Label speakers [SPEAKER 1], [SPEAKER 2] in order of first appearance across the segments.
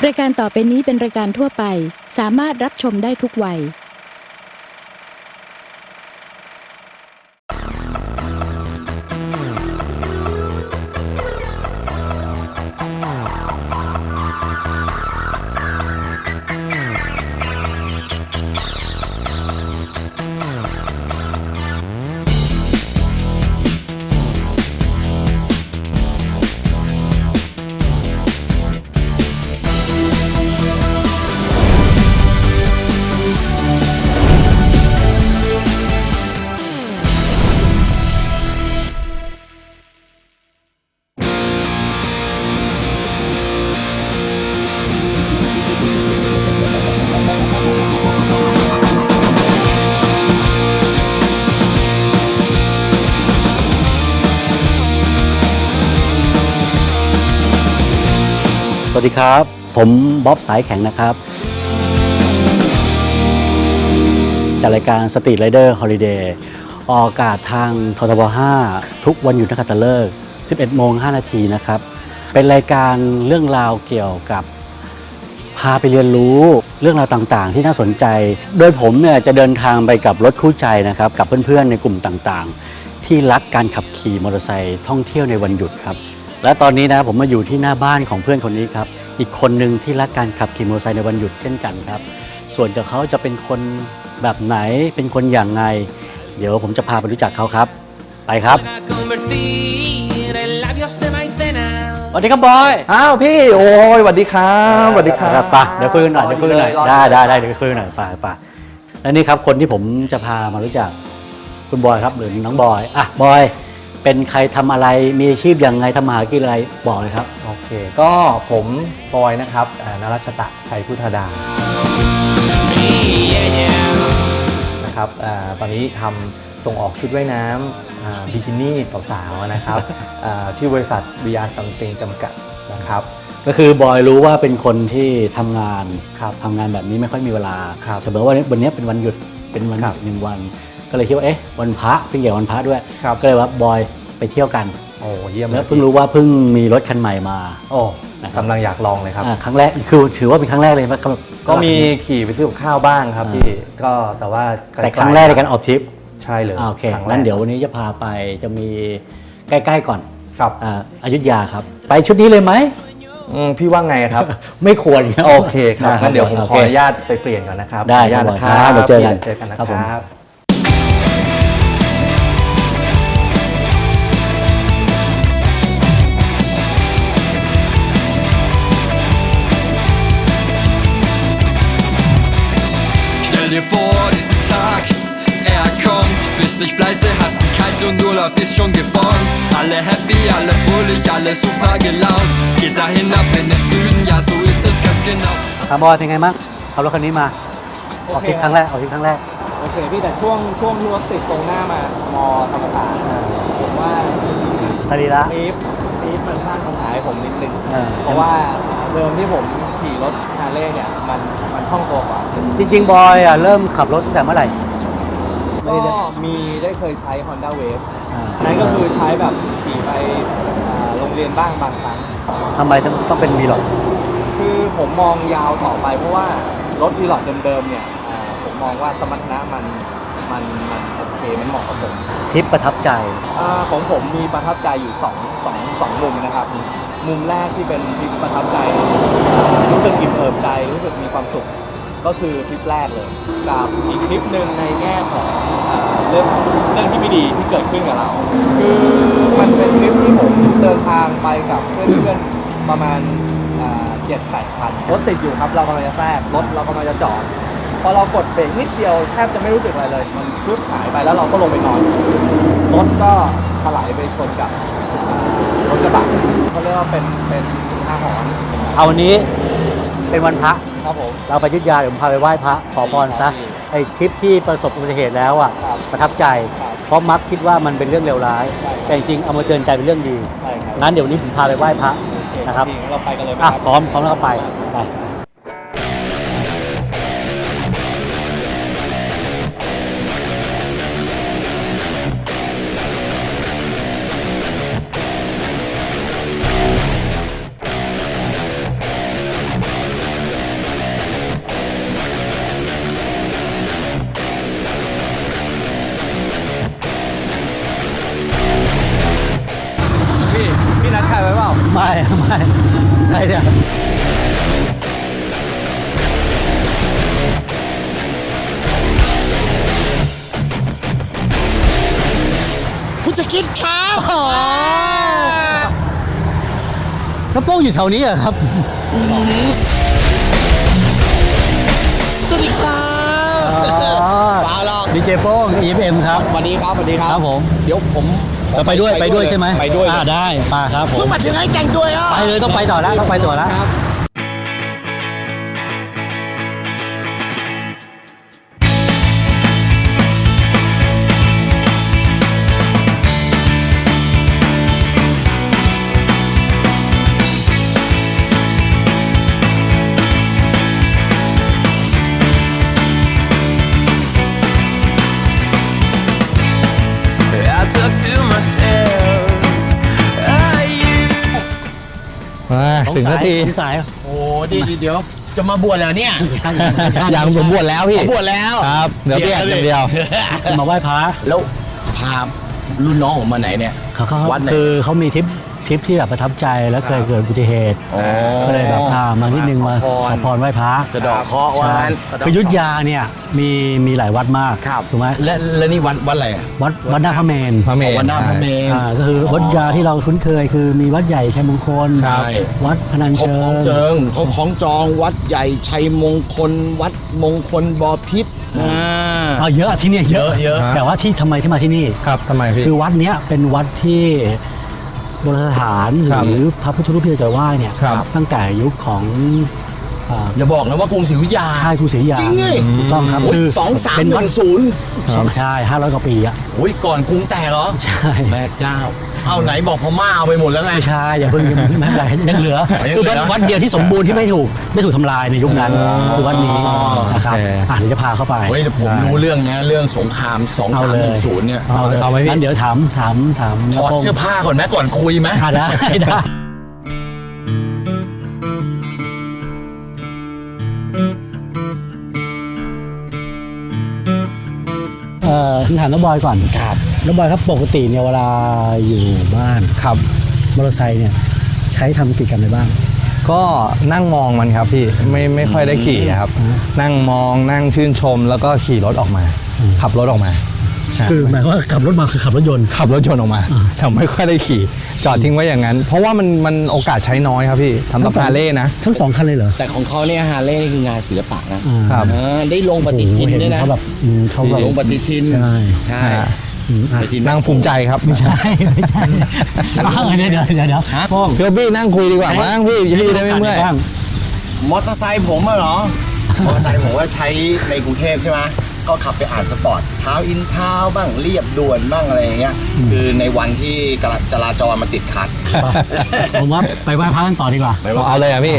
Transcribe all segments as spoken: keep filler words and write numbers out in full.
[SPEAKER 1] รายการต่อไปนี้เป็นรายการทั่วไปสามารถรับชมได้ทุกวัย
[SPEAKER 2] สวัสดีครับผมบ๊อบสายแข็งนะครับจากรายการสตรีทไรเดอร์ฮอลิเดย์ออกอากาศทางททบห้าทุกวันหยุดนักขัตฤกษ์ สิบเอ็ดโมงห้านาทีนะครับเป็นรายการเรื่องราวเกี่ยวกับพาไปเรียนรู้เรื่องราวต่างๆที่น่าสนใจโดยผมเนี่ยจะเดินทางไปกับรถคู่ใจนะครับกับเพื่อนๆในกลุ่มต่างๆที่รักการขับขี่มอเตอร์ไซค์ท่องเที่ยวในวันหยุดครับและตอนนี้นะผมมาอยู่ที่หน้าบ้านของเพื่อนคนนี้ครับอีกคนหนึ่งที่รักการขับขี่มอเตอร์ไซค์ในวันหยุดเช่นกันครับส่วนจะเขาจะเป็นคนแบบไหนเป็นคนอย่างไรเดี๋ยวผมจะพาไปรู้จักเขาครับไปครับสวัสดีครับบอย
[SPEAKER 3] อ้าวพี่โอ้ยสวัสดีครับสวัสดีครับ
[SPEAKER 2] ป่ะเดี๋ยวคุยกันหน่อยเดี๋ยวคุยกันหน่อยได้ได้ได้เดี๋ยวคุยกันหน่อยป่ะป่ะและนี่ครับคนที่ผมจะพามารู้จักคุณบอยครับหรือน้องบอยอ่ะบอยเป็นใครทำอะไรมีอาชีพอย่างไรทำมาหากินอะไรบอกเลยครับ
[SPEAKER 3] โอเคก็ผมบอยนะครับนรัชตะชัยพุทธดานะครับตอนนี้ทำส่งออกชุดว่ายน้ำบิกินี่สาวๆนะครับที่บริษัท วี อาร์ Something จำกัดนะครับ
[SPEAKER 2] ก็คือบอยรู้ว่าเป็นคนที่ทำงานครับทำงานแบบนี้ไม่ค่อยมีเวลาแต่เมื่อว่าวันนี้เป็นวันหยุดเป็นวันหยุดหนึ่งวันก็เลยคิดว่าเอ๊ะวันพระเพิ่งเกี่ยววันพระด้วยก็เลยว่าบอยไปเที่ยวกัน
[SPEAKER 3] โอ้เยี่ยม
[SPEAKER 2] แล้วเพิ่งรู้ว่าเพิ่งมีรถคันใหม่มา
[SPEAKER 3] โอ้กำลังอยากลองเลยครับ
[SPEAKER 2] ครั้งแรกคือถือว่าเป็นครั้งแรกเลยว่า
[SPEAKER 3] ก็มีขี่ไปซื้อกับข้าวบ้างครับพี่ก็แต่ว่า
[SPEAKER 2] แต่ครั้งแรกในการออกทริป
[SPEAKER 3] ใช่เลย
[SPEAKER 2] โอเคงั้นเดี๋ยววันนี้จะพาไปจะมีใกล้ๆก่อน
[SPEAKER 3] ครับ
[SPEAKER 2] อยุธยาครับไปชุดนี้เลยไหม
[SPEAKER 3] พี่ว่าไงครับ
[SPEAKER 2] ไม่ควร
[SPEAKER 3] โอเคครับงั้นเดี๋ยวผมขออนุญาตไปเปลี่ยนก่อนนะครับ
[SPEAKER 2] ได้ครับเดี๋ยวเจอกัน
[SPEAKER 3] เจอกันนะครับ
[SPEAKER 4] dir vor, diesen Tag, er kommt, bist nicht pleite, hast einen Kalt und Urlaub ist schon geborgen. Alle happy, alle fröhlich, alle super gelaunt. Geht dahin ab in den Süden, ja so ist es ganz genau.
[SPEAKER 2] ครับบอยเป็นไงบ้างขับรถคันนี้มาออกทริปครั้งแรกออกทริปครั้งแรก
[SPEAKER 3] โอเคพี่แต่ช่วงช่วงรถติดตรงหน้ามามอธรรมศาสตร์ผมว่า
[SPEAKER 2] สรีระ
[SPEAKER 3] ปี๊บปี๊บมันสร้างปัญหาให้ผมนิดนึงเพราะว่าเดิมที่ผมขี่รถฮาร์เลย์เนี่ยมันมันคล่องตัวกว่า
[SPEAKER 2] จริงๆบอยอ่ะเริ่มขับรถตั้งแต่เมื่อไหร่
[SPEAKER 3] ก็มีได้เคยใช้ Honda Wave นั่นก็คือใช้แบบขี่ไปโรงเรียนบ้างบางครั้ง
[SPEAKER 2] ทำไมต้องต้องเป็นวีล็อก
[SPEAKER 3] คือผมมองยาวต่อไปเพราะว่ารถวีล็อกเดิมๆเนี่ยผมมองว่าสมรรถนะมันมันมันโอเคมันเหมาะกับผม
[SPEAKER 2] ทริปประทับใจ
[SPEAKER 3] ของผมมีประทับใจอยู่สองสองสองมุมนะครับมุมแรกที่เป็นทริปประทับใจรู้สึกอิ่มเอิบใจรู้สึกมีความสุขก็คือทริปแรกเลยกับอีกทริปหนึ่งในแง่ของเรื่องเรื่องที่ไม่ดีที่เกิดขึ้นกับเราคือมันเป็นทริปที่ผมเดินทางไปกับเพื่อนๆประมาณเจ็ดแปดคันรถติดอยู่ครับเรากำลังจะแทรกรถเรากำลังจะจอดพอเรากดเบรกนิดเดียวแทบจะไม่รู้สึกอะไรเลยมันชุดหายไปแล้วเราก็ลงไปนอนรถก็ถลายไปชนกับรถกระบะเขาเรียกว่าเป็นเป็นอาหรณ์
[SPEAKER 2] เอาวันนี้เป็นวันพระ
[SPEAKER 3] ครับผม
[SPEAKER 2] เราไปอยุธยาเดี๋ยวผมพาไปไหว้พระขอพรซะไอ้ทริปที่ประสบอุบัติเหตุแล้วอ่ะประทับใจเพราะมักคิดว่ามันเป็นเรื่องเลวร้ายแต่จริงๆเอามาเตือนใจเป็นเรื่องดีงั้นเดี๋ยววันนี้ผมพาไปไหว้พระนะครับ
[SPEAKER 3] เราไปกันเลย
[SPEAKER 2] อ่ะพร้อมพร้อมแล้วก็ไปไปไม่ใครเนี่ย
[SPEAKER 5] คุณจะคิดครับ
[SPEAKER 2] แล้วโป้งอยู่แถวนี้เหรอครับ
[SPEAKER 5] สวัสดีครับ
[SPEAKER 2] อ๋อ
[SPEAKER 5] ปาหรอก
[SPEAKER 2] ดีเจโป้ง อี เอฟ เอ็ม ครับ
[SPEAKER 5] สวัสดีครับสวัสดีครับ
[SPEAKER 2] ครับผม
[SPEAKER 5] เดี๋ยวผมขอ
[SPEAKER 2] จะไปด้วยไปด้วยใช่ไหม
[SPEAKER 5] ไปด้วย
[SPEAKER 2] อ่าได้มาครับผม
[SPEAKER 5] เพิ่งมาถึงให้แต่งตัวอ่ะ
[SPEAKER 2] ไปเลยต้องไปต่อแล้วต้องไปต่อแล้ว
[SPEAKER 5] ครับ
[SPEAKER 4] I talk to myself. Are you?
[SPEAKER 6] มาถึงนาที
[SPEAKER 2] สงสัย
[SPEAKER 5] โอ้ดีดีเดี๋ยวจะมาบวชแล้วเนี่ย
[SPEAKER 6] อย่างผมบวชแล้วพี่
[SPEAKER 5] ผมบวชแล้ว
[SPEAKER 6] ครับเดี๋ยวเพียรอย่างเดียว
[SPEAKER 2] มาไหว้พระ
[SPEAKER 5] แล้วพารุ่นน้องผมมาไหนเนี่ย
[SPEAKER 2] เขาเขา
[SPEAKER 5] วัดไหน
[SPEAKER 2] คือเขามีทริปทริปที่แบบประทับใจแล้วเคยเกิดอุบัติเหตุ
[SPEAKER 5] อ๋อ
[SPEAKER 2] ก็เลยแบบพามานิดนึงมา
[SPEAKER 5] ขอพร
[SPEAKER 2] ขอพรไหว้พระ
[SPEAKER 5] สะเดอกเคราะห์ว่า
[SPEAKER 2] ใช่
[SPEAKER 5] งั้น
[SPEAKER 2] คืออยุทธยาเนี่ยมีมีหลายวัดมาก
[SPEAKER 5] ครับ
[SPEAKER 2] ถูกไหม
[SPEAKER 5] และและนี่วัดวัดอะไรอ่ะ
[SPEAKER 2] วัดวัดหน้าพระเมน
[SPEAKER 6] พระเมรุ
[SPEAKER 5] วัดหน้าพระเมรุ
[SPEAKER 2] อ่าก็คือวัดยาที่เราคุ้นเคยคือมีวัดใหญ่ชัยมงคล
[SPEAKER 5] ใช่
[SPEAKER 2] วัดพนัญ
[SPEAKER 5] เขา
[SPEAKER 2] เชิ
[SPEAKER 5] คล้อง
[SPEAKER 2] ง
[SPEAKER 5] เจิงเขาคล้องจองวัดใหญ่ชัยมงคล วัดมงคลบอพิษอ่า
[SPEAKER 2] อ่าเยอะที่เนี่ยเยอะ
[SPEAKER 5] เยอะเยอะ
[SPEAKER 2] แต่ว่าที่ทำไมที่มาที่นี่
[SPEAKER 6] ครับทำไมพี่
[SPEAKER 2] คือวัดเนี้ยเป็นวัดที่โบราณสถานห
[SPEAKER 6] ครับ
[SPEAKER 2] รือพระพุทธรูปที่เราจะไหว้เนี่ย
[SPEAKER 6] ครับ
[SPEAKER 2] ตั้งแต่ยุคของอ่า
[SPEAKER 5] อย่าบอกนะว่ากรุงศรีอยุธยา
[SPEAKER 2] ค่ายกรุงศรีอยุธยา
[SPEAKER 5] จริงไง
[SPEAKER 2] ถูกต้องครับ
[SPEAKER 5] โอ้ย
[SPEAKER 2] คือ
[SPEAKER 5] สองสาม
[SPEAKER 2] เป็น
[SPEAKER 5] ห
[SPEAKER 2] วัด
[SPEAKER 5] นึ่งศูนย์
[SPEAKER 2] ใช่ห้าร้อยกว่าปีอ่ะ
[SPEAKER 5] โอ้ยก่อนกรุงแตกเหรอ
[SPEAKER 2] ใช่
[SPEAKER 5] แม่เจ้า เอาไหนบอกพม่าเอาไปหมดแล้วไง
[SPEAKER 2] ไม่ใช่อย่าเพิ่งไม่เป็นไรยังเหลือ
[SPEAKER 5] ยังเหลือ
[SPEAKER 2] คือวัดวัดเดียวที่สมบูรณ์ที่ไม่ถูกไม่ถูกทำลายในยุคนั้นคือวัดนี้นะครับ
[SPEAKER 6] โอเค
[SPEAKER 2] อ่ะเดี๋ยวจะพาเข้าไป
[SPEAKER 5] เฮ้ยแต่ผมรู้เรื่องนะเรื่องสงครามสอง
[SPEAKER 2] เอา
[SPEAKER 5] สาม
[SPEAKER 2] เล
[SPEAKER 5] ห
[SPEAKER 2] ย
[SPEAKER 5] นึ่งศูนย์เนี่ย
[SPEAKER 2] เอาเลย
[SPEAKER 6] เอาไหมพี่
[SPEAKER 2] งั้นเดี๋ยวถามถามถาม
[SPEAKER 5] ถอดเสื้อผ้าก่อนไหมก่อนคุยไหม
[SPEAKER 2] อ่ะได้ได้เอ่อถามน้องบอยก่อน
[SPEAKER 5] ครับ
[SPEAKER 2] น้องบอยครับปกติเนี่ยเวลาอยู่บ้าน
[SPEAKER 6] ครับ
[SPEAKER 2] มอเตอร์ไซค์เนี่ยใช้ทำกิจกรรมอะไรบ้าง
[SPEAKER 6] ก็นั่งมองมันครับพี่ไม่ไม่ค่อยได้ขี่ครับ นั่งมองนั่งชื่นชม แล้วก็ขี่รถออกมา ขับรถออกมา
[SPEAKER 2] คือหมายความว่าขับรถมาคือขับรถยนต์
[SPEAKER 6] ขับรถชนออกมาแต่ไม่ค่อยได้ขี่ จอดทิ้งไว้อย่างนั้น เพราะว่ามันมันโอกาสใช้น้อยครับพี่ทำ
[SPEAKER 2] ทั้
[SPEAKER 6] ตั
[SPEAKER 2] ง
[SPEAKER 6] บ
[SPEAKER 2] สอง
[SPEAKER 6] ฮาร์เลย์นะ
[SPEAKER 2] ทั้งสองคันเลยเหรอ
[SPEAKER 5] แต่ของเขาเนี่ยฮาร์เลย์นี่คืองานศิลปะนะครับ อ่าได้ลงปฏิทิน
[SPEAKER 2] โอ้โหเห็
[SPEAKER 5] ด้วยนะ
[SPEAKER 2] เขาแบบอืมเขาแบบ
[SPEAKER 5] ลงปฏิทิน
[SPEAKER 2] ใช่
[SPEAKER 5] ใช่
[SPEAKER 2] อืมอ่ะ
[SPEAKER 5] ปฏิทิน
[SPEAKER 6] นั่งภูมิใจครับไม่ใช่
[SPEAKER 2] ใช่ไม่ใช่อ้าวเดี๋ยวเดี๋ยวเดี๋ยวเดี๋ยวโป้ง
[SPEAKER 6] เพื่อพี่นั่งคุยดีกว่ามั้งพี่พี่ได้ไม่เมื่อย
[SPEAKER 2] บ้าง
[SPEAKER 5] มอเตอร์ไซค์ผมอะเหรอ มอเตอร์ไซค์ผมว่าใช้ในกรุงเทพใช่ไหมก็ขับไปอ่านสปอร์ตเท้าอินเท้าบ้างเรียบด่วนบ้างอะไรอย่างเงี้ย คือในวันที่จราจรมาติดขัด
[SPEAKER 2] ผมว่าไปไหว้พระกันต่อดีกว่า
[SPEAKER 6] เอาเลยอ่ะพี่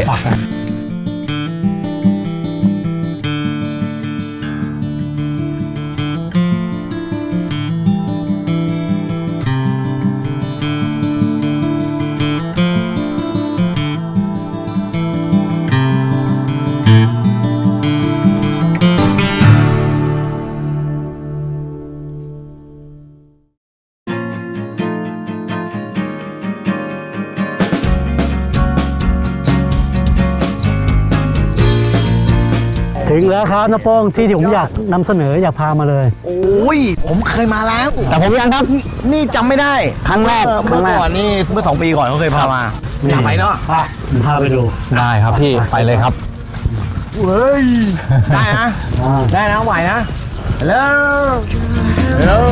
[SPEAKER 2] ถึงแล้วครับน้าโป้งที่ที่ผมอยากนำเสนออยากพามาเลย
[SPEAKER 5] โอ้ย ผมเคยมาแล้ว
[SPEAKER 6] แต่ผมยังครับ
[SPEAKER 5] นี่จำไม่ได้
[SPEAKER 6] ครั้งแรก
[SPEAKER 5] เมื่อ
[SPEAKER 6] ครั้งแรก
[SPEAKER 5] ก่อนนี่เมื่อสองปีก่อนเขาเคยพามาอยากไปเนาะ
[SPEAKER 2] ผมพาไปดู
[SPEAKER 6] ได้ครับพี่ไปเลยครับ
[SPEAKER 5] เฮ้ย ได้นะ ได้นะไหวนะฮัลโหลฮัลโหล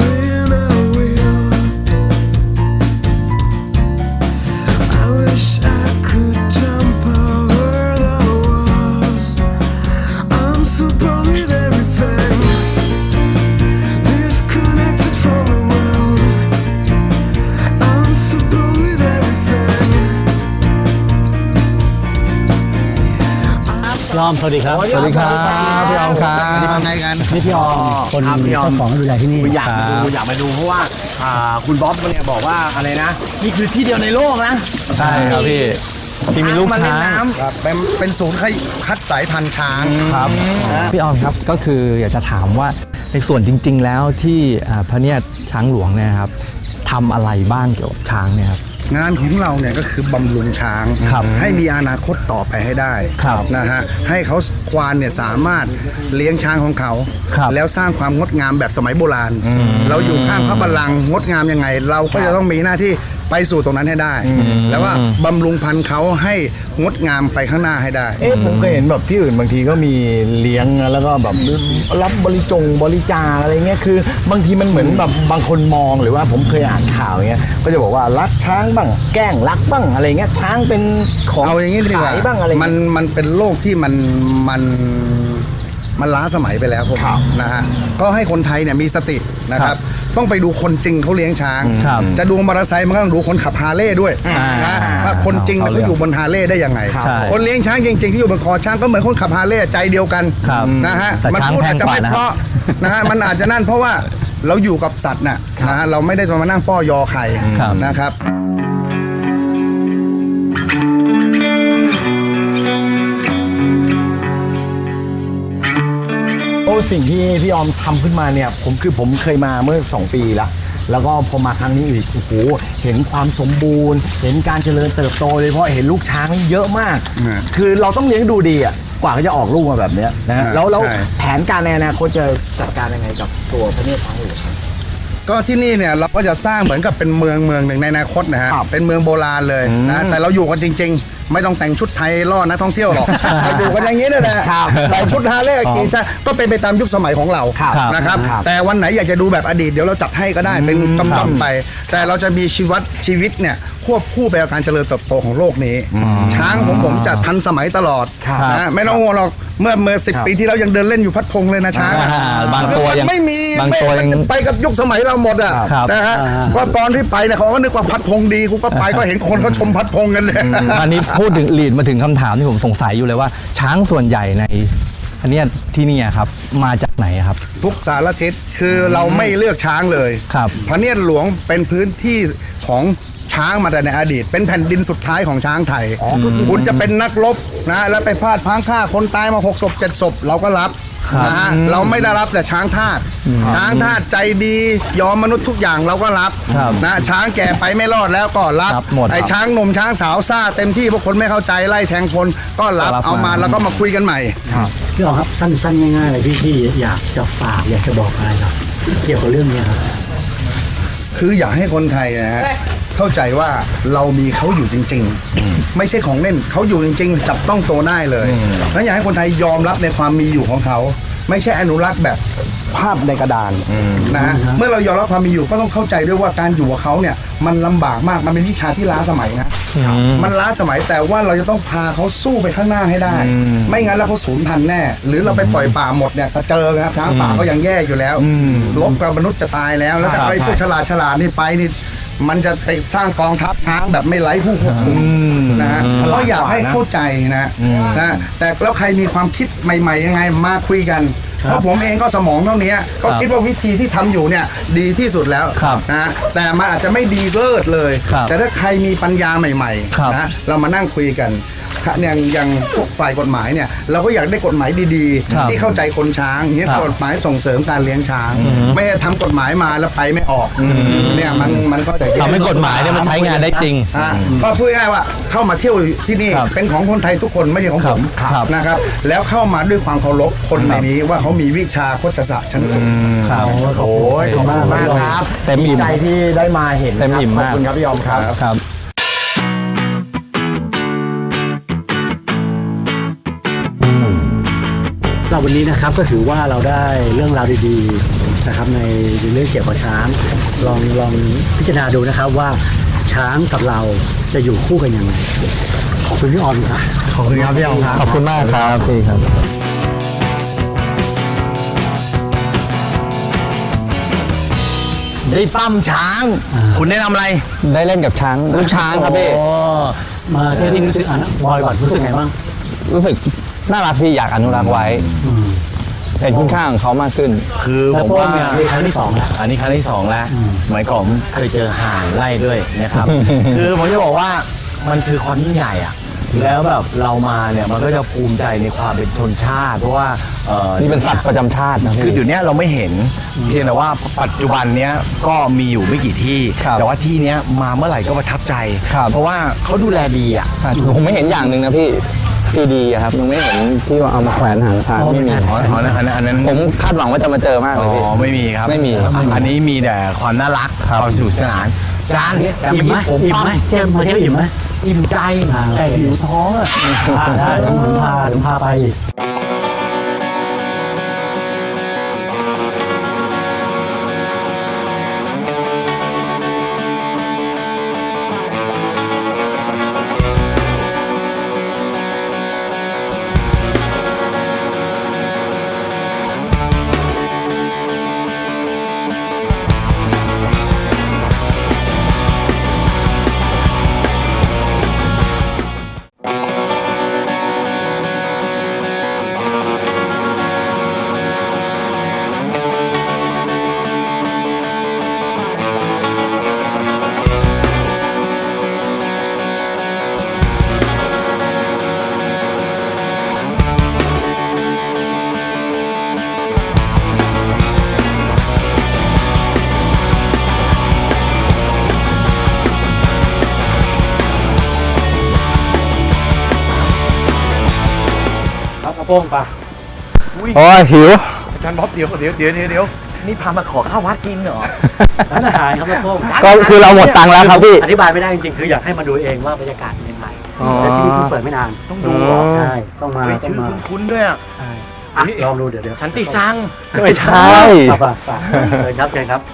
[SPEAKER 7] I wish I could jump over the walls. I'm so bored with everything, disconnected from the world. I'm so bored with everything.
[SPEAKER 2] ยอมสวัสดีครับ
[SPEAKER 6] สวัสดีครับพี่ออมครับ
[SPEAKER 5] ทำไงกัน
[SPEAKER 2] นี่พี่ออมคน
[SPEAKER 5] ครับพี่ออม
[SPEAKER 2] เจ้าของดูแลที่นี่
[SPEAKER 5] อยากมาดูอยากมาดูเพราะว่าอ่าคุณบ๊อบเนี่ยบอกว่าอะไรนะ นี่คือที่เดียวในโลกนะ
[SPEAKER 6] ใช่ครับพี่ที่มีลูก
[SPEAKER 5] มาเล่น
[SPEAKER 6] ช้าง
[SPEAKER 5] น้ำเป็นเป็นศูนย์คัดสายพันธุ์ช้าง
[SPEAKER 6] ครับพี่ออมครับก็คืออยากจะถามว่าในส่วนจริง ๆ แล้วที่อ่าพระเนียดช้างหลวงเนี่ยครับทำอะไรบ้างเกี่ยวกับช้างเนี่ยครับ
[SPEAKER 8] งานของเราเนี่ยก็คือบำรุงช้าง
[SPEAKER 6] ครับ
[SPEAKER 8] ให้มีอนาคตต่อไปให้ได้
[SPEAKER 6] ครับ
[SPEAKER 8] นะฮะให้เขาควานเนี่ยสามารถเลี้ยงช้างของเขา
[SPEAKER 6] ครับ
[SPEAKER 8] แล้วสร้างความงดงามแบบสมัยโบราณ เราอยู่ข้างพระบัลลังก์งดงามยังไง เราก็จะต้องมีหน้าที่ไปสู่ตรงนั้นให้ได้ แล้วว่าบำรุงพันธุ์เขาให้งดงามไปข้างหน้าให้ได้
[SPEAKER 9] เอ๊ะผมเคยเห็นแบบที่อื่นบางทีก็มีเลี้ยงแล้วก็แบบรับบริจงบริจาคอะไรเงี้ยคือบางทีมันเหมือนแบบบางคนมองหรือว่าผมเคยอ่านข่าวเงี้ยก็จะบอกว่ารักช้างบ้างแกล้งรักบ้างอะไรเงี้ยช้างเป็นของ
[SPEAKER 8] เอาอย่างนี้ดีกว่า
[SPEAKER 9] ขายบ้างอะไร
[SPEAKER 8] มันมันเป็นโลกที่มันมันมันล้าสมัยไปแล้วผมนะฮะก็ให้คนไทยเนี่ยมีสตินะครับ ต้องไปดูคนจริงเขาเลี้ยงช้าง
[SPEAKER 6] ครับ
[SPEAKER 8] จะดูมอเตอร์ไซค์มันก็ต้องดูคนขับฮาร์เลย์ด้วยนะว่าคนจริงเนี่ยเขาอยู่บนฮาร์เลย์ได้ยังไง
[SPEAKER 6] ใช่
[SPEAKER 8] คนเลี้ยงช้างจริงๆที่อยู่บนคอช้างก็เหมือนคนขับฮาร์เลย์ใจเดียวกัน
[SPEAKER 6] ครับ
[SPEAKER 8] นะฮะ
[SPEAKER 6] แต่
[SPEAKER 8] มั
[SPEAKER 6] ช้าง
[SPEAKER 8] พูด
[SPEAKER 6] แพ
[SPEAKER 8] อาจ
[SPEAKER 6] ง
[SPEAKER 8] จะ
[SPEAKER 6] กว่า
[SPEAKER 8] ไม่
[SPEAKER 6] นะ
[SPEAKER 8] เพ
[SPEAKER 6] ครับ
[SPEAKER 8] ราะนะฮะมันอาจจะนั่นเพราะว่าเราอยู่กับสัตว์น่ะนะฮะเราไม่ได้มานั่งป้อยอใคร
[SPEAKER 6] ครับ
[SPEAKER 8] นะครับ
[SPEAKER 9] โอ้สิ่งที่พี่ออมทำขึ้นมาเนี่ยผมคือผมเคยมาเมื่อสองปีแล้วแล้วก็พอมาครั้งนี้อีกโอ้โหเห็นความสมบูรณ์ เห็นการเจริญเติบโตเลยเพราะเห็นลูกช้างเยอะมาก
[SPEAKER 8] อืม
[SPEAKER 9] คือเราต้องเลี้ยงดูดีอ่ะกว่าเขาจะออกลูกมาแบบเนี้ยนะฮะ
[SPEAKER 8] อ่า
[SPEAKER 9] แล้วแล้ว
[SPEAKER 8] ใช่
[SPEAKER 9] แผนการในอนาคตจะจัดการยังไงกับตัวพระเนตรช้างหลวง
[SPEAKER 8] ก็ที่นี่เนี่ยเราก็จะสร้างเหมือนกับเป็นเมืองเมืองหนึ่งในอนาคตนะฮะ
[SPEAKER 9] ครับ
[SPEAKER 8] เป็นเมืองโบราณเลยนะแต่เราอยู่กันจริง ๆ ไม่ต้องแต่งชุดไทยล่อนักท่องเที่ยวหรอก เราอยู่กันอย่างนี้นั่นแหละ
[SPEAKER 9] ครับ
[SPEAKER 8] ใส่ชุดฮาร์เลย์กีซะก็เป็นไปตามยุคสมัยของเรา
[SPEAKER 9] ครับ
[SPEAKER 8] นะครับ
[SPEAKER 9] ครับ
[SPEAKER 8] แต่วันไหนอยากจะดูแบบอดีตเดี๋ยวเราจัดให้ก็ได้เป็นกำๆไป แต่เราจะมีชีวิตชีวิตเนี่ยควบคู่ไปกับการเจริญเติบโตของโลกนี้ ช้างของผมจะทันสมัยตลอดนะไม่ต้องห่วงหรอกเมื่อเมื่อสิบปีที่แล้วยังเดินเล่นอยู่พัดพงเลยนะช้าง
[SPEAKER 6] อ่าบางตัวยัง
[SPEAKER 8] ไม่มี
[SPEAKER 6] บางตัวยัง
[SPEAKER 8] ไม่ไปกับยุคสมัยเราหมดอ่ะ
[SPEAKER 6] ครับ
[SPEAKER 8] นะฮะก็ตอนที่ไปเนี่ยเขาก็นึกว่าพัดพงดีกูก็ไปก็เห็นคนเขาชมพัดพงกันเลย
[SPEAKER 6] อันนี้พูดถึงลีดมาถึงคำถามที่ผมสงสัยอยู่เลยว่า ช้างส่วนใหญ่ในอันเนี้ยที่นี่ครับมาจากไหนครับ
[SPEAKER 8] ทุกสารทิศคือเราไม่เลือกช้างเลย
[SPEAKER 6] ครับ
[SPEAKER 8] พระเนียรหลวงเป็นพื้นที่ของช้างมาแต่ในอดีต เป็นแผ่นดินสุดท้ายของช้างไทย คุณจะเป็นนักรบนะแล้วไปพลาดพลั้งฆ่าคนตายมาหกศพเจ็ดศพเราก็รับนะฮะเราไม่ได้รับแต่ช้างทาสช้างทาสใจดียอมมนุษย์ทุกอย่างเราก็รับ
[SPEAKER 6] ครับ
[SPEAKER 8] นะช้างแก่ไปไม่รอดแล้วก็รับ
[SPEAKER 6] รับหมด
[SPEAKER 8] ไอ้ช้างหนุ่มช้างสาวซ่าเต็มที่พวกคนไม่เข้าใจไล่แทงคนก็รับ
[SPEAKER 6] รับ
[SPEAKER 8] เอามา
[SPEAKER 6] มา
[SPEAKER 8] แล้วก็มาคุยกันใหม่
[SPEAKER 2] พี่อ๋อครับสั้นๆง่ายๆเลยพี่ที่อยากจะฝากอยากจะบอกอะไรครับ เกี่ยวกับเรื่องนี้ครับ
[SPEAKER 8] คืออยากให้คนไทยนะฮะเข้าใจว่าเรามีเขาอยู่จริง ๆ ไม่ใช่ของเล่นเขาอยู่จริง ๆ จับต้องตัวได้เลยแล้วอยากให้คนไทยยอมรับในความมีอยู่ของเขา ไม่ใช่อนุรักษ์แบบภาพในกระดานนะฮะเมื่อเรายอมรับความมีอยู่ก็ต้องเข้าใจด้วยว่าการอยู่กับเขาเนี่ยมันลำบากมากมันเป็นวิชาที่ล้าสมัยนะมันล้าสมัยแต่ว่าเราจะต้องพาเขาสู้ไปข้างหน้าให้ได้ ไม่งั้นแล้วเขาสูญพันธุ์แน่ หรือเราไปปล่อยป่าหมดเนี่ยก็เจอนะครับช้างป่าก็ยังแย่อยู่แล้วลบกับมนุษย์จะตายแล้ว แล้วแต่ไอ้พวกฉลาดฉลาดนี่ไปนี่มันจะไปสร้างกองทัพช้างแบบไม่ไร้ผู้ควบคุมนะฮะก็อยากให้เข้าใจนะนะแต่แล้วใครมีความคิดใหม่ๆยังไงมาคุยกันเพราะผมเองก็สมองเท่านี้ก็คิดว่าวิธีที่ทำอยู่เนี่ยดีที่สุดแล้ว
[SPEAKER 6] ครับ
[SPEAKER 8] นะแต่มันอาจจะไม่ดีเลิศเลย
[SPEAKER 6] ครับ
[SPEAKER 8] แต่ถ้าใครมีปัญญาใหม่
[SPEAKER 6] ครับ
[SPEAKER 8] ๆนะเรามานั่งคุยกันอย่างอย่างพวกฝ่ายกฎหมายเนี่ยเราก็อยากได้กฎหมายดี
[SPEAKER 6] ครับ
[SPEAKER 8] ๆ ที่เข้าใจคนช้างอย่างเงี้ย
[SPEAKER 6] ครับ
[SPEAKER 8] กฎหมายส่งเสริมการเลี้ยงช้าง ไม่ให้ทำกฎหมายมาแล้วไปไม่ออกเนี่ยมันมันก็จะแย่
[SPEAKER 6] ทำให้กฎหมายเนี่ยมันใช้งานได้จริง
[SPEAKER 8] อ่ะก็พูดง่ายๆว่าเข้ามาเที่ยวที่นี่
[SPEAKER 6] ครับ
[SPEAKER 8] เป็นของคนไทยทุกคนไม่ใช่ของผม
[SPEAKER 6] ครับ
[SPEAKER 8] นะครับแล้วเข้ามาด้วยความเคารพคนในนี้ว่าเขามีวิชาโฆษศาสตร์ชั้นสูง
[SPEAKER 6] ครับ
[SPEAKER 9] โอ้ยขอบคุณมากครับ
[SPEAKER 6] เต็มอิ่ม
[SPEAKER 9] ดีใจที่ได้มาเห็น
[SPEAKER 6] เต็มอิ่ม
[SPEAKER 9] ขอบ
[SPEAKER 6] มาก
[SPEAKER 9] คุณครับพี่ยอมครับ
[SPEAKER 6] ครับ
[SPEAKER 2] เราวันนี้นะครับก็ถือว่าเราได้เรื่องราวดีๆนะครับในเรื่องเกี่ยวกับช้างลองลองพิจารณาดูนะครับว่าช้างกับเราจะอยู่คู่กันยังไงขอบคุณพี่ออนครับ
[SPEAKER 9] ขอบคุณครับพี่ยอมครับ
[SPEAKER 6] ขอบคุณมากครับพี่ครับ
[SPEAKER 9] ได้ปั้มช้าง คุณแนะนำอะไร
[SPEAKER 6] ได้เล่นกับช้างลูกช้างครับพี่
[SPEAKER 2] โอ้มาเที่ยวที่รู้สึกอ่ะบอยก่อนรู้สึกไงบ้าง
[SPEAKER 6] รู้สึกน่ารักพี่อยากอนุรักษ์ไว้เห็นคุณค่าของเขามากขึ้น
[SPEAKER 9] คือผมว่า
[SPEAKER 2] แล้วพวกเนี่ยครั้งที่สองแล้ว
[SPEAKER 9] อันนี้ครั้งที่สองแล้วหมายก่อนผมเคยเจอห่านไล่ด้วยนะครับ คือผมจะบอกว่ามันคือความยิ่งใหญ่อะแล้วแบบเรามาเนี่ยมันก็จะภูมิใจในความเป็นชนชาติ เพราะว่าเอ่อ
[SPEAKER 6] นี่เป็นสัตว์ประจำชาตินะพี่
[SPEAKER 5] คือเดี๋ยวนี้เราไม่เห็นเพียงแต่ว่าปัจจุบันเนี้ยก็มีอยู่ไม่กี่ที่
[SPEAKER 6] ครับ
[SPEAKER 5] แต่ว่าที่เนี้ยมาเมื่อไหร่ก็ประทับใจ
[SPEAKER 6] ครับ
[SPEAKER 5] เพราะว่าเขาดูแลดีอ่ะ
[SPEAKER 6] ผมไม่เห็นอย่างหนึ่งนะพี่ซีดีครับยังไม่เห็นที่ว่าเอามาแขวนหางทางไม่มี
[SPEAKER 5] อ๋ออ๋ออันนั้นอันนั้น
[SPEAKER 6] ผมคาดหวังว่าจะมาเจอมากเล
[SPEAKER 5] อ๋
[SPEAKER 6] ยพี่
[SPEAKER 5] อไม่มีครับ
[SPEAKER 6] ไม่มี
[SPEAKER 5] อันนี้มีแต่ความน่ารักความสนุกสนานจานแต่
[SPEAKER 2] อิ่ม
[SPEAKER 5] เมื่อ
[SPEAKER 2] ไหม
[SPEAKER 5] กี้ผม
[SPEAKER 2] อิ่มไหมเจมส์มาเที่ยวอิ่มไหม
[SPEAKER 5] อิ่มใจแต่หิวท้องอ่ะ
[SPEAKER 2] ได้เดี๋ยวผมพาเดี๋ยวพาไป ครับกระโปรงปะ
[SPEAKER 6] โอ้ยหิว
[SPEAKER 5] อาจารย์บ๊อบเดี๋ยวเดี๋ยวเดี๋ยวเดี๋ยวเดี๋ยวนี่พามาขอข้าววัดกินเหรอ
[SPEAKER 2] ร้านอาหารครับกระโปรง
[SPEAKER 6] ก็คือเราหมดตังค์แล้วครับพี่
[SPEAKER 2] อธิบายไม่ได้จริงๆคืออยากให้มาดูเองว่าบรรยากาศเป็นยังไง
[SPEAKER 6] อ๋อ
[SPEAKER 2] แต่ที่นี่เพิ่งเปิดไม่นาน
[SPEAKER 5] ต้องดูเหรอ
[SPEAKER 2] ใช่ต้องมา
[SPEAKER 5] เฮ้ย
[SPEAKER 2] ต้อ
[SPEAKER 5] ชื่
[SPEAKER 2] ง
[SPEAKER 5] อ
[SPEAKER 2] มา
[SPEAKER 5] คุ้นๆด้วยอ่ะ
[SPEAKER 2] ใช่อ่ะลองดูเดี๋ยวเดี๋ยว
[SPEAKER 5] สันติซัง
[SPEAKER 6] ไม่ใช่
[SPEAKER 2] ครับอ่ะฝากเลยครับเชิญครับ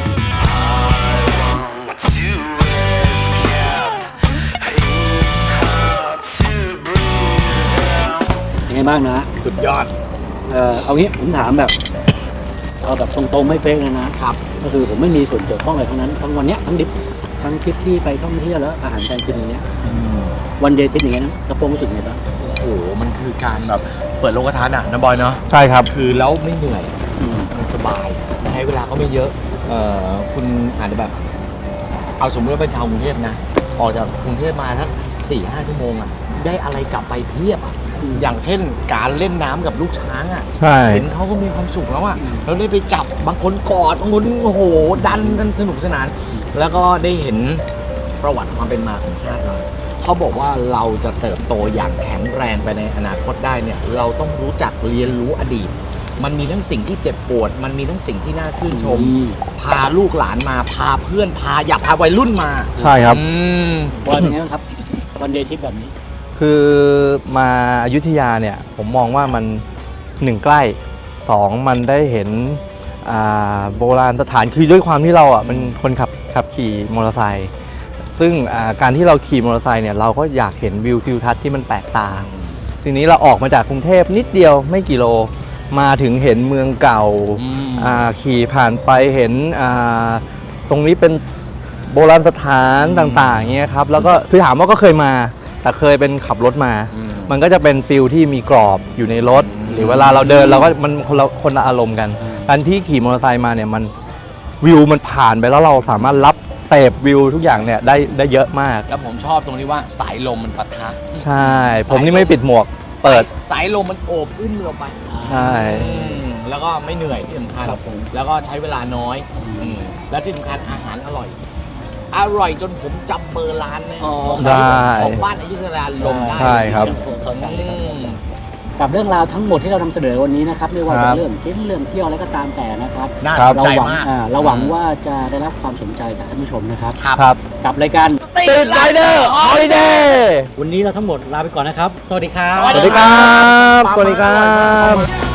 [SPEAKER 2] ยังไงบ้างนะ
[SPEAKER 5] สุดยอด
[SPEAKER 2] เออเอางี้ผมถามแบบเอาแบบตรงๆไม่เฟกเลยนะครับก็คือผมไม่มีส่วนเกี่ยวข้องอะไรทั้งนั้นทั้งวันเนี้ยทั้งดิบทั้งทริปที่ไปท่องเที่ยวแล้วอาหารการกินอย่างเงี้ยวันเดย์ทริปอย่างเงี้ยนะกระโปรงรู้สึกไงบ้าง
[SPEAKER 5] โอ้โห มันคือการแบบเปิดโลกทัศน์อ่ะนะบอยเนาะ
[SPEAKER 6] ใช่ครับ
[SPEAKER 9] คือแล้วไม่เหนื่อย
[SPEAKER 2] อืม
[SPEAKER 9] มันสบาย ใช้เวลาก็ไม่เยอะเอ่อคุณอาจจะแบบ เอาสมมติว่าเป็นชาวกรุงเทพนะ ออกจากกรุงเทพมาสักสี่ห้าชั่วโมงอ่ะ ได้อะไรกลับไปเพียบอ่ะ อย่างเช่นการเล่นน้ำกับลูกช้างอ่ะ
[SPEAKER 6] ใช่
[SPEAKER 9] เห็นเขาก็มีความสุขแล้วอ่ะแล้วได้ไปจับบางคนกอดบางคนโอ้โห ดันกันสนุกสนาน แล้วก็ได้เห็นประวัติความเป็นมาของชาติเราเขาบอกว่าเราจะเติบโตอย่างแข็งแรงไปในอนาคตได้เนี่ย เราต้องรู้จักเรียนรู้อดีต มันมีทั้งสิ่งที่เจ็บปวด มันมีทั้งสิ่งที่น่าชื่นชม พาลูกหลานมาพาเพื่อนพาอยากพาวัยรุ่นมา
[SPEAKER 6] ใช่ครับ
[SPEAKER 9] อืม
[SPEAKER 2] บอลเป็นไงบ้างครับวันเดย์ทริปแบบนี้
[SPEAKER 6] คือมาอยุธยาเนี่ยผมมองว่ามันหนึ่งใกล้สองมันได้เห็นอ่าโบราณสถานคือด้วยความที่เราอ่ะเป็นคนขับขับขี่มอเตอร์ไซค์ซึ่งอ่าการที่เราขี่มอเตอร์ไซค์เนี่ยเราก็อยากเห็นวิวทิวทัศน์ที่มันแปลกตาทีนี้เราออกมาจากกรุงเทพนิดเดียวไม่กี่โลมาถึงเห็นเมืองเก่า
[SPEAKER 9] อืม
[SPEAKER 6] อ่าขี่ผ่านไปเห็นอ่าตรงนี้เป็นโบราณสถานต่างๆเงี้ยครับแล้วก็คือถามว่าก็เคยมาแต่เคยเป็นขับรถมา มันก็จะเป็นฟิลที่มีกรอบอยู่ในรถ หรือเวลาเราเดินเราก็มันคนละคนละอารมณ์กันการที่ขี่มอเตอร์ไซค์มาเนี่ยมันวิวมันผ่านไปแล้วเราสามารถรับเสพวิวทุกอย่างเนี่ยได้ได้เยอะมาก
[SPEAKER 9] แล้วผมชอบตรงที่ว่าสายลมมันปะทะ
[SPEAKER 6] ใช่ ผมนี่ไม่ปิดหมวกเปิด
[SPEAKER 9] สายลมมันโอบอุ้มเราไป
[SPEAKER 6] ใช่
[SPEAKER 9] อืมแล้วก็ไม่เหนื่อยที่สำคัญ
[SPEAKER 2] ครับผม
[SPEAKER 9] แล้วก็ใช้เวลาน้อยอืมและที่สำคัญอาหารอร่อย อร่อยจนผมจำเบอร์ร้านเนี่ย
[SPEAKER 2] อ๋อ
[SPEAKER 9] ของ
[SPEAKER 6] ได้
[SPEAKER 9] ของบ้านอยุธยาลมได้
[SPEAKER 6] ใช่ครับ
[SPEAKER 2] ผมเข้าใจ
[SPEAKER 9] อืม
[SPEAKER 2] กับเรื่องราวทั้งหมดที่เรานำเสนอวันนี้นะครับไม่ว่า
[SPEAKER 6] ครั
[SPEAKER 2] จะ
[SPEAKER 6] บ
[SPEAKER 2] เรื่องกินเรื่องเที่ยวอะไรก็ตามแต่นะครับ
[SPEAKER 5] น่า
[SPEAKER 6] ครั
[SPEAKER 5] ส
[SPEAKER 6] บ
[SPEAKER 5] น
[SPEAKER 2] เรา
[SPEAKER 5] ใจ
[SPEAKER 2] หวัง
[SPEAKER 5] มาก
[SPEAKER 2] อ่าเราหวังว่าจะได้รับความสนใจจากท่านผู้ชมนะครับ
[SPEAKER 6] ครับ
[SPEAKER 2] กับรายการ
[SPEAKER 6] ติดไรเดอร์ฮอลิเดย์
[SPEAKER 2] วันนี้เราทั้งหมดลาไปก่อนนะครับ สวัสดีครับ
[SPEAKER 6] สวัสดีครับ สวัสดีครับ